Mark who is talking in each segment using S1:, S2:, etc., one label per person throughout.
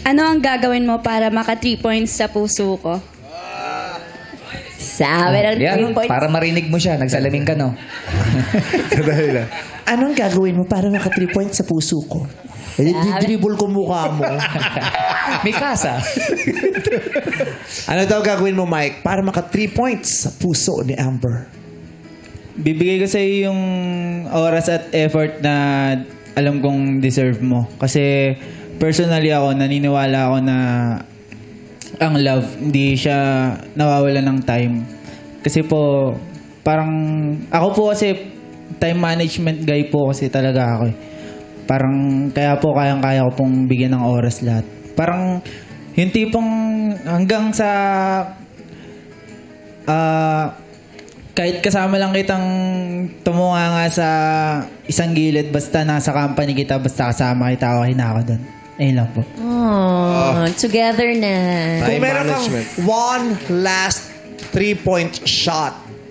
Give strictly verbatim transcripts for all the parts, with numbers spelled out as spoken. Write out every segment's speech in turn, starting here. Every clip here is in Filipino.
S1: Ano ang gagawin mo para maka three points sa puso ko? Sabi ng
S2: Yan,
S1: three points.
S2: para marinig mo siya. Nagsalamin ka, no?
S3: Dahil lang. Anong gagawin mo para maka three points sa puso ko? Eh, dribble ko mukha mo.
S2: May kasa.
S3: Ano daw gagawin mo, Mike, para maka three points sa puso ni Amber?
S4: Bibigay ko sa iyo yung oras at effort na alam kong deserve mo. Kasi personally ako, naniniwala ako na ang love, hindi siya nawawala ng time. Kasi po, parang, ako po kasi, time management guy po kasi talaga ako eh. Parang, kaya po kayang-kaya ko pong bigyan ng oras lahat. Parang, yung tipong hanggang sa, ah, kahit kasama lang kitang tumunga nga sa isang gilid, basta nasa company kita, basta kasama kita, okay na ako doon. Ayun lang po.
S5: Oh, together na.
S3: Kung
S6: Time
S3: meron kang
S6: management.
S3: one last three-point shot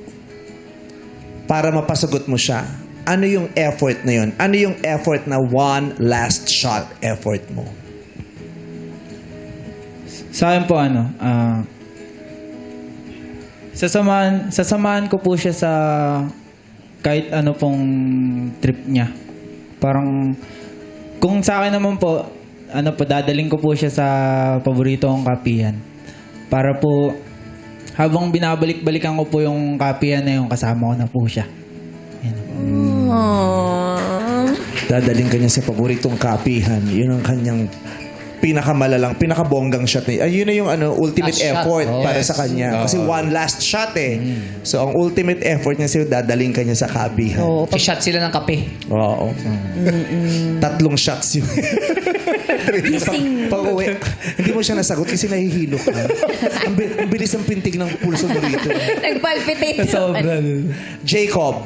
S3: para mapasagot mo siya, ano yung effort na yun? Ano yung effort na one last shot effort mo?
S4: Sa akin po ano, ah, sasamahan, sasamahan ko po siya sa kahit ano pong trip niya. Parang, kung sa akin naman po, ano po, dadaling ko po siya sa paborito kong kapihan. Para po, habang binabalik-balikan ko po yung kapihan na yung kasama ko na po siya. Yan.
S5: Oh.
S3: Dadaling kanya sa paboritong kapihan. Yun ang kanyang pinakamalalang, pinakabonggang shot niya. Ay, yun na yung ano, ultimate
S2: Last shot.
S3: effort
S2: Oh,
S3: para
S2: yes.
S3: sa kanya. Kasi one last shot eh. So, ang ultimate effort niya sa'yo, dadaling kanya sa kapihan.
S5: Oh, pag-
S2: Si-shot sila ng kape.
S3: Oo. Tatlong shots yun.
S5: Gising.
S3: Pag uwi, hindi mo siya nasagot kasi nahihilo ka. ang, bi- ang bilis ng pintig ng pulso mo rito.
S5: Nagpalpitate.
S3: Jacob,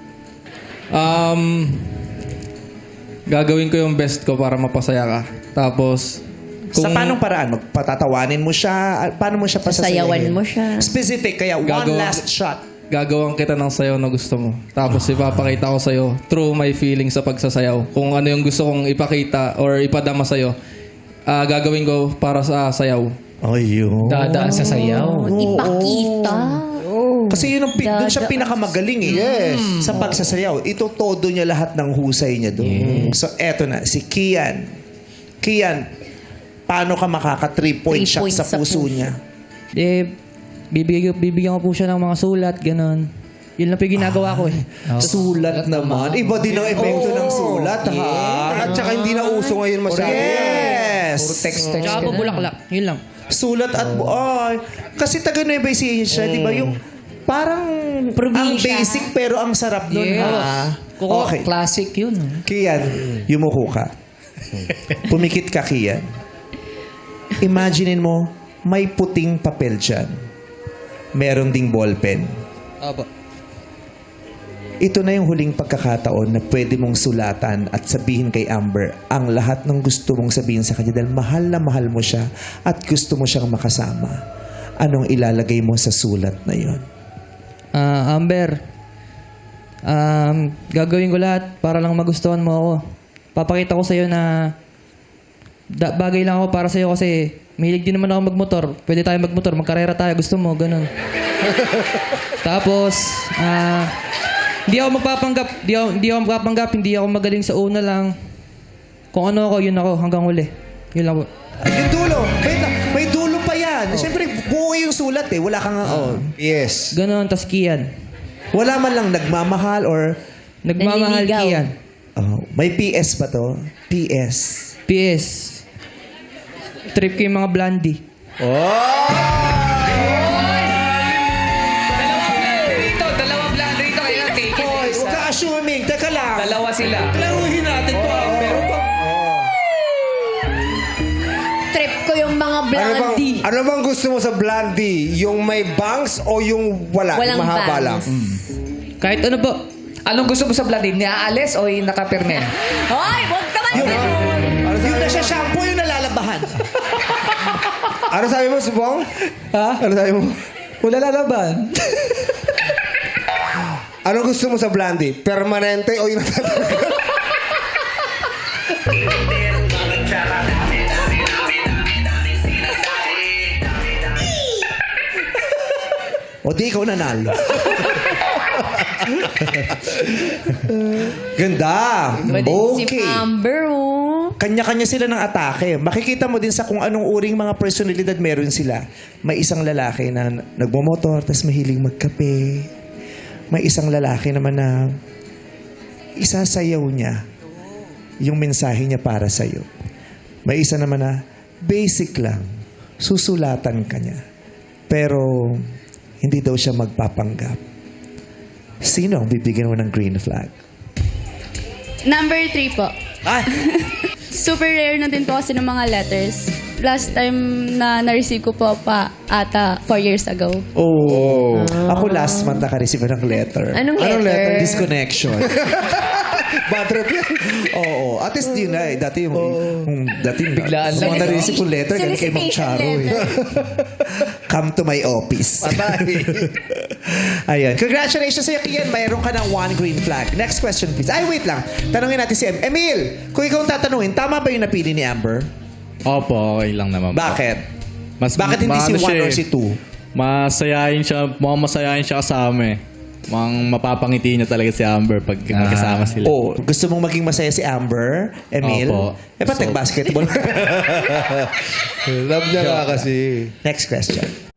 S7: Um, gagawin ko yung best ko para mapasaya ka. Tapos,
S3: sa paanong paraan? Magpatatawanin mo siya? Paano mo siya pasasayahin?
S5: Sayawan mo siya.
S3: Specific, kaya one
S7: Gagawa-
S3: last shot.
S7: gagawan kita ng sayaw na gusto mo. Tapos, ipapakita ko sa'yo through my feelings sa pagsasayaw. Kung ano yung gusto kong ipakita or ipadama sa'yo, ah, gagawin ko para sa sayaw.
S3: Ayun.
S2: Dadaan sa sayaw.
S5: Ipakita.
S3: Kasi yun ang, pi- doon siya
S5: Dada-
S3: pinakamagaling eh. Yes. Sa pagsasayaw. Ito todo niya lahat ng husay niya doon. So, eto na. Si Kian. Kian, paano ka makaka three point
S5: Three
S3: shot
S5: points
S3: sa
S5: sa
S3: puso
S5: puso.
S3: niya?
S4: Eh, bibigyan, bibigyan ko po siya ng mga sulat, ganun. Yun lang po yung ginagawa ko eh.
S3: Sulat naman. Iba din ang epekto ng sulat, ha?
S6: At saka hindi na uso ngayon masyado.
S3: Yes!
S2: Puro text, text.
S4: Tsaka po bulaklak. Yun lang.
S3: Sulat at... Ay, kasi taga Nueva Ecija siya, di ba? Yung parang ang
S5: Probinsya.
S3: basic pero ang sarap nun,
S2: Yes.
S3: ha?
S2: Kuko,
S3: Okay.
S2: classic yun.
S3: Kian, yumuko ka. Pumikit ka, Kian. Imaginin mo, may puting papel dyan. Meron ding ballpen.
S4: Opo.
S3: Ito na yung huling pagkakataon na pwede mong sulatan at sabihin kay Amber ang lahat ng gusto mong sabihin sa kanya dahil mahal na mahal mo siya at gusto mo siyang makasama. Anong ilalagay mo sa sulat na yon?
S4: Ah, Amber, um, gagawin ko lahat para lang magustuhan mo ako. Papakita ko sa'yo na da- bagay lang ako para sa'yo kasi mahilig din naman ako magmotor. Pwede tayo magmotor, magkarera tayo, gusto mo, ganun. Tapos, ah, hindi ako magpapanggap, hindi ako, hindi ako magpapanggap, hindi ako magaling sa una lang. Kung ano ako, yun ako, hanggang huli. Yun lang po.
S3: Yung dulo, may, may dulo pa yan. Siyempre, buo yung sulat eh. Wala kang... oh.
S6: Yes.
S4: Ganun, tas Kian.
S3: Wala man lang nagmamahal or...
S4: Nagmamahal
S5: Nanliligaw.
S4: Kian.
S3: Oh, may P S ba to? P S.
S4: P S. Trip ko yung mga blondie.
S2: Dito, dalawang blonde rito. Kaya take it.
S3: Hoy, huwag ka assuming. Teka lang.
S2: Dalawa sila.
S3: Laruhin natin to. Pero pa...
S5: Trip ko yung mga
S6: Ano bang,
S5: blondie.
S6: ano bang gusto mo sa blondie? Yung may bangs o yung wala?
S5: Walang
S6: yung mahaba
S5: bangs.
S6: lang?
S4: Kahit ano po.
S2: Anong gusto mo sa blondie? Niaalis o yung nakapirmen?
S5: Hoy, huwag ka man.
S6: Ano
S3: Yung
S6: sabi,
S3: nasa shampoo yung nalalabahan.
S6: ano sabi mo, Subong?
S4: Ha?
S6: Ano sabi mo?
S4: Wala lalaban.
S6: Ano gusto mo sa blondie? Permanente o yung natatanggal?
S3: O di ikaw nanalo. Ganda.
S5: Si
S3: Okay.
S5: Amber, oh.
S3: Kanya-kanya sila ng atake. Makikita mo din sa kung anong uring mga personalidad meron sila. May isang lalaki na nagmomotor, tapos mahilig magkape. May isang lalaki naman na isasayaw niya yung mensahe niya para sa'yo. May isa naman na basic lang. Susulatan ka niya. Pero hindi daw siya magpapanggap. Sino ang bibigyan mo ng green flag?
S1: Number three po.
S3: Ah!
S1: Super rare na din po kasi ng mga letters. Last time na na-receive ko po pa ata four years ago.
S3: Oh. Ako last month naka-receive ng letter.
S5: Anong
S6: Anong
S5: letter?
S6: letter?
S3: Disconnection.
S6: Bad trip yan.
S3: Oo. At least yun na eh. Dati yung, yung dati yung,
S2: Biglaan
S3: yung
S2: lang.
S3: mga na-receive yung letter, galing kay Mang
S5: Solicitation
S3: Charo eh. Come to my office. Ayun. Congratulations sa'yo, Kian. Mayroon ka ng one green flag. Next question, please. Ay, wait lang. Tanungin natin si Em. Emil, kung ikaw ang tatanungin, tama ba yung napili ni Amber?
S8: Opo, okay lang naman po.
S3: Bakit?
S8: Mas,
S3: Bakit hindi si
S8: maano
S3: one
S8: siya
S3: or
S8: eh.
S3: si two?
S8: Masayahin siya, mukhang masayahin siya kasama eh. Mukhang mapapangiti niya talaga si Amber pag magkasama sila.
S3: Oh, gusto mong maging masaya si Amber, Emil?
S8: Opo.
S3: Eh, ba't
S8: So-
S3: nag-basketball?
S6: Love niya nga kasi.
S3: Next question.